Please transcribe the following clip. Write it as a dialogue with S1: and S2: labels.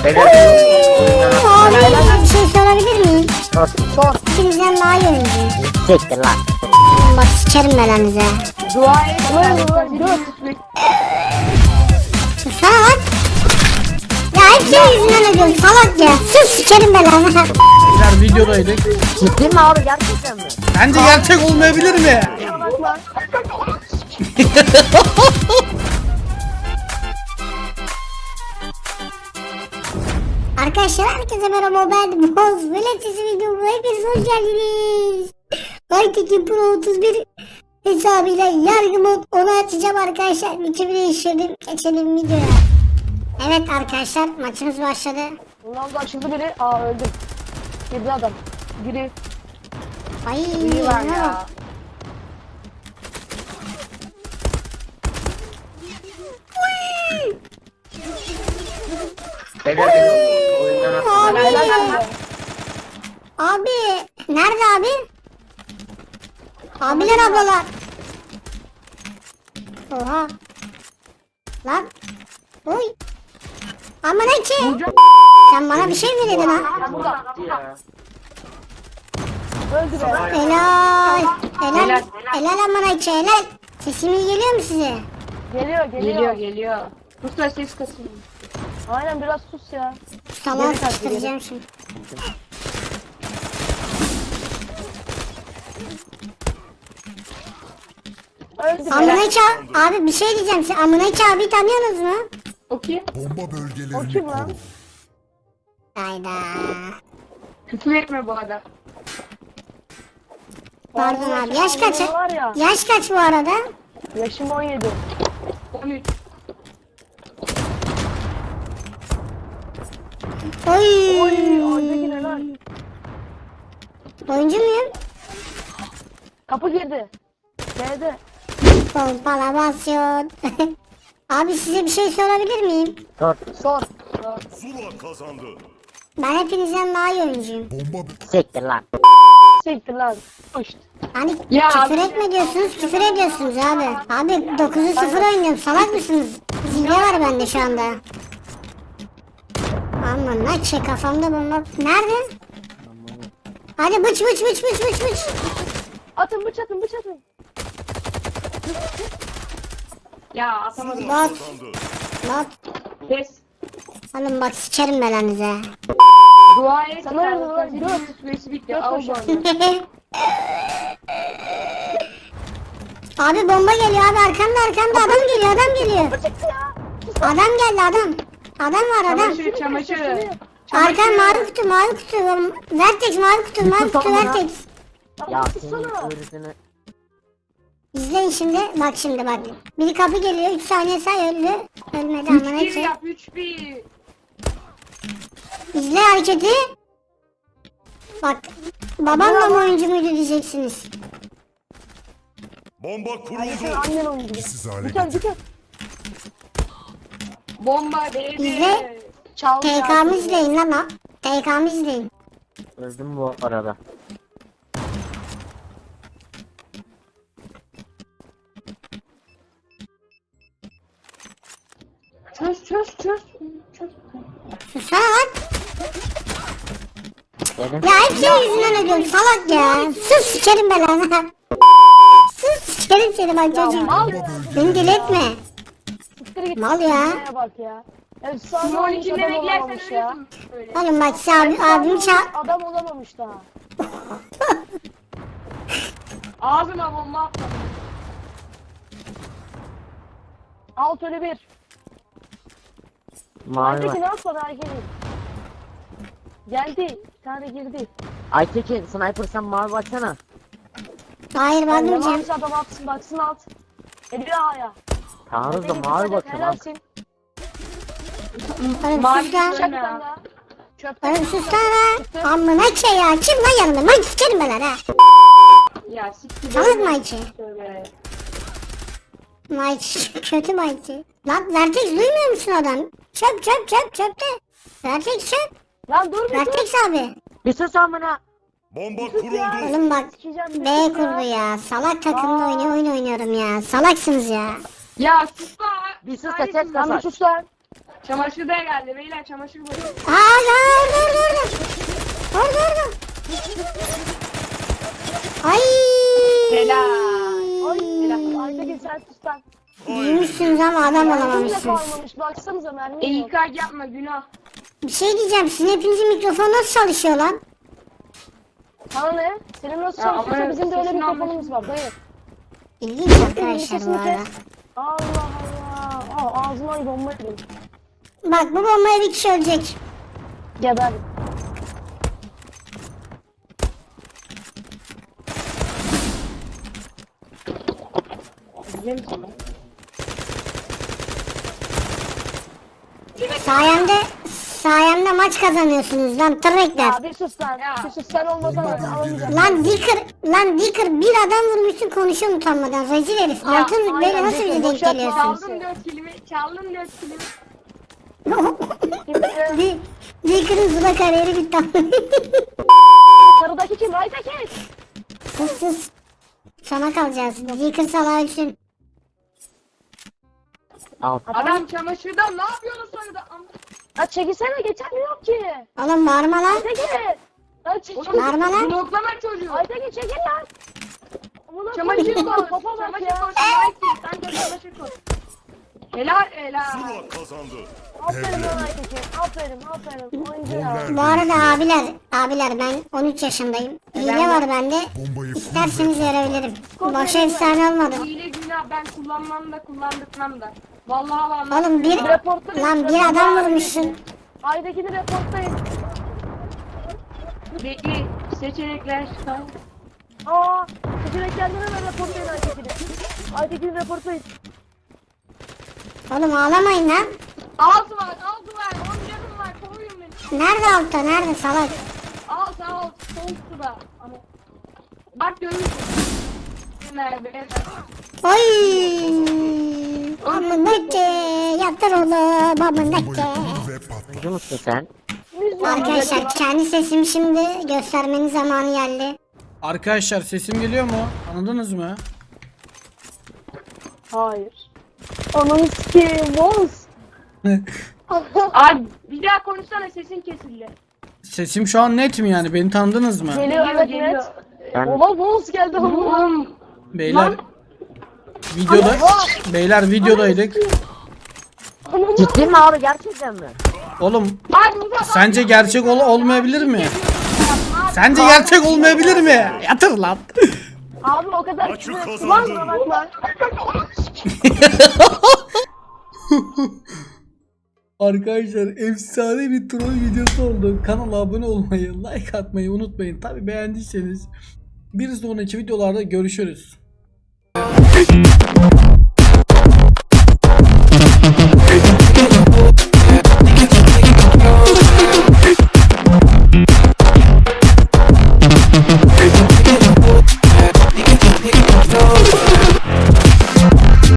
S1: Abi bir şey sorabilir miyim?
S2: Sor.
S1: İkinizden daha iyi oyuncuyum.
S3: Siktir lan.
S1: Bak sikerim belanıza.
S2: Dua et. Dur.
S1: Sana bak. Ya hep senin yüzünden ödüyorum salak ya. Sus sikerim belanı.
S4: Beyler videodaydık.
S3: Ciddi mi abi gerçekten mi?
S4: Bence gerçek olmayabilir mi?
S1: Arkadaşlar herkese merhaba, ben Boz. Veletisi videomu hepiniz hoş geldiniz. Aytekin Pro 31 hesabıyla yargı mod onu açacağım arkadaşlar. Biçimi değiştirdim. Geçelim videoya. Evet arkadaşlar maçımız başladı.
S2: Ronaldo açıldı biri. Aa öldüm. Girdi adam. Biri.
S1: Ay
S2: İyi var ya.
S3: Beyler beni oyundan atın.
S1: Abi. Abi. Nerede abi? Abiler ablalar. Oha. Lan. Oy. Aman ki. Sen bana bir şey mi dedin ha?
S2: Öldü be.
S1: Helal. Helal. Helal aman ki helal. Sesimiz geliyor mu size?
S2: Geliyor. Sus ses kasıyor. Aynen biraz sus ya.
S1: Salağı
S2: Geri kaç,
S1: sıkıştıracağım şimdi.
S2: Öldü be.
S1: Amınayç abi bir şey diyeceğim. Siz Amınayç abi tanıyorsunuz mu?
S2: O kim?
S5: Bomba
S2: O
S5: bölgelerini
S2: kim lan?
S5: koru.
S1: Hayda.
S2: Küfür etme bu arada.
S1: Pardon abi. Yaş kaç?
S2: Var ya.
S1: Yaş kaç bu arada?
S2: Yaşım 17. 13.
S1: Oy.
S2: Oradaki ne lan?
S1: Oyuncu muyum?
S2: Kapı girdi. B'de.
S1: Pompalasyon. Abi size bir şey sorabilir miyim?
S3: Sor.
S2: Sor.
S5: Zula kazandı.
S1: Ben hepinizden daha iyi oyuncuyum.
S5: Bomba
S3: Siktir lan.
S2: Siktir lan. Pışt.
S1: Hani
S2: Ya
S1: küfür
S2: abi.
S1: etme diyorsunuz, küfür ediyorsunuz abi. Abi 9'u 0 oynuyorum, salak mısınız? Zilye var bende şu anda. Aman ne şey kafamda bomba. Nerede? Hadi bıç.
S2: Atın bıç atın. Ya atamadım.
S1: Bot.
S5: kazandı.
S1: Bot.
S2: Kes.
S1: Oğlum bak sikerim belanıza.
S2: Dua et. Sana ne lan? Süresi bitti. Al şu anda.
S1: Abi bomba geliyor abi, arkamda adam geliyor. Adam geldi adam. Adam var adam.
S2: Çamaşır.
S1: Arkam mavi kutu. Vertex mavi kutu Vertex.
S3: Ya senin ırkını.
S1: İzleyin şimdi. Bak. Biri kapı geliyor. 3 saniye say öldü. Ölmedi ama neyse.
S2: 3-1.
S1: İzle hareketi. Bak. Babamla mı oyuncu muydu diyeceksiniz.
S5: Bomba kuruldu.
S2: Annen oyuncu.
S5: Siz hale
S2: Biter. Bomba değdi.
S1: İzle.
S2: Çal.
S1: TK'mı izleyin lan ha. TK'mı izleyin.
S3: Öldüm bu arada.
S2: Çöz.
S1: Susana bak.
S3: Dedim.
S1: Ya hep senin yüzünden ödüyorum salak ya. Sus sikerim belanı. Sus sikerim seni bak çocuğum.
S2: Al.
S1: Beni deli etme.
S2: Siktir git.
S1: Mal ya.
S2: Neye bak ya. Efsane olmuş adam olamamış ya.
S1: Oğlum bak abim
S2: Adam olamamış daha. Ağzıma bomba atmadım. Alt ölü bir.
S3: Mavi
S2: Aytekin
S3: var.
S2: atmadı Aytekin. Geldi. Bir tane girdi.
S3: Aytekin sniper sen mavi baksana.
S1: Hayır ben duracağım.
S2: Yalansı adam atsın baksın alt. Eli A'ya.
S3: Tanrı da mavi bakıyor lan.
S2: Helalsin.
S1: Oğlum sus lan.
S2: Çaktan da. Çöpten.
S1: Oğlum sus lan. Amına şey ya. Kim lan yanımda? Ben sikerim ben ha.
S2: Ya siktir.
S1: Salak Mayçı.
S2: Tövbe.
S1: Mayçı. Kötü Mayçı. Lan Vertex duymuyor musun adam? Çöpte. Vertex çöp.
S2: Lan dur bir dur.
S1: Vertex abi.
S3: Bir sus amına.
S5: Bomba kuruldu.
S1: Oğlum bak.
S2: Sikeceğim.
S1: B kurdu ya. Salak takımda oyun oynuyorum ya. Salaksınız ya.
S2: Ya sus lan.
S3: Bir sus da ses
S2: Lan bir
S3: kasar.
S2: sus lan. Çamaşır da geldi beyler çamaşır boyu.
S1: Aa orada. Orada. Ay.
S2: Helal. Helal.
S3: Aytekin sen sus lan.
S1: Büyümüşsünüz ama adam
S3: Kimse
S1: olamamışsınız.
S3: kalmamış baksanıza mermi yok.
S2: İlkay yapma günah.
S1: Bir şey diyeceğim. Sizin hepinizin mikrofonu nasıl çalışıyor lan?
S3: Sana ne? Senin nasıl
S2: Ya
S3: çalışıyorsa
S2: ama
S3: bizim de öyle
S2: sesini
S3: mikrofonumuz var dayı.
S1: İlginç arkadaşlar bu arada.
S3: Allah Allah. Aa, ağzıma bomba yedim.
S1: Bak bu bombaya bir kişi ölecek.
S3: Geber.
S2: Biliyor musun?
S1: Sayemde maç kazanıyorsunuz lan tırrekler.
S3: Ya bir sus lan.
S2: Ya.
S3: Bir sus sen olmasan alamayacağım.
S1: Lan Dicker bir adam vurmuşsun konuşuyor utanmadan. Rezil herif. Altın rütbeyle
S3: aynen,
S1: nasıl bize
S3: Dicker,
S1: denk
S3: boşalt,
S1: geliyorsun?
S2: Çaldım 4 kilimi. Çaldım 4 kilimi.
S1: Dicker'ın zula kariyeri bitti.
S3: Sarıdaki kim? Aytekin.
S1: sus. Sana kalacağız. Dicker salağı ölsün.
S3: Al.
S2: Adam çamaşırda ne yapıyorsun sonra da?
S3: Ya çekilsene geçemiyor ki.
S1: Oğlum bağırma lan.
S3: Aytekin. Lan çekil.
S1: Bağırma lan.
S2: Bloklama çocuğu.
S3: Aytekin çekil lan. Amına
S2: Çamaşır
S3: koyayım,
S2: koy.
S3: kafa bak
S2: Çamaşır
S3: ya.
S2: koy. Sen de çamaşır koy. Helal.
S5: Zula kazandı.
S3: Aferin lan Aytekin. Aferin. Oyuncu ya.
S1: Bu arada abiler ben 13 yaşındayım. Hile var bende. İsterseniz verebilirim. Boşa efsane olmadı.
S2: Hile günah ben kullanmam da kullandırmam da. Vallahi
S1: Oğlum bir adam vurmuşsun.
S3: Aytekin'i reportlayın.
S2: Bekle. Seçenekler.
S3: Aa, seçeneklerden hemen reportlayın Aytekin'i. Aytekin'i reportlayın.
S1: Oğlum ağlamayın lan.
S2: Altı var. 10 canım var. Koruyun beni.
S1: Nerede altta nerede salak?
S2: Sağ ol. Sol sıra. Ama. Bak görürsün. Nerede?
S1: Oy! Amındaki yatır oğlum amındaki.
S3: Biliyor musun sen?
S1: Arkadaşlar kendi sesimi şimdi göstermenin zamanı geldi.
S4: Arkadaşlar sesim geliyor mu? Anladınız mı?
S3: Hayır. Ananı sikeyim boz.
S2: Abi bir daha konuşsana sesin kesildi.
S4: Sesim şu an net mi yani? Beni tanıdınız mı?
S3: Geliyor evet
S2: Geliyor.
S3: net. Ben... Ola boz geldi ama.
S2: Oğlum.
S4: Beyler videodaydık.
S3: Ciddi mi abi gerçekten mi?
S4: Oğlum
S2: Bak bu
S4: sence gerçek olmayabilir mi? Sence gerçek olmayabilir mi? Yatır lan.
S3: Abi o kadar
S5: Maçı
S3: küfür ettim
S5: kazandın.
S3: ama bakma.
S4: Arkadaşlar efsane bir troll videosu oldu. Kanala abone olmayı, like atmayı unutmayın. Tabi beğendiyseniz bir sonraki videolarda görüşürüz.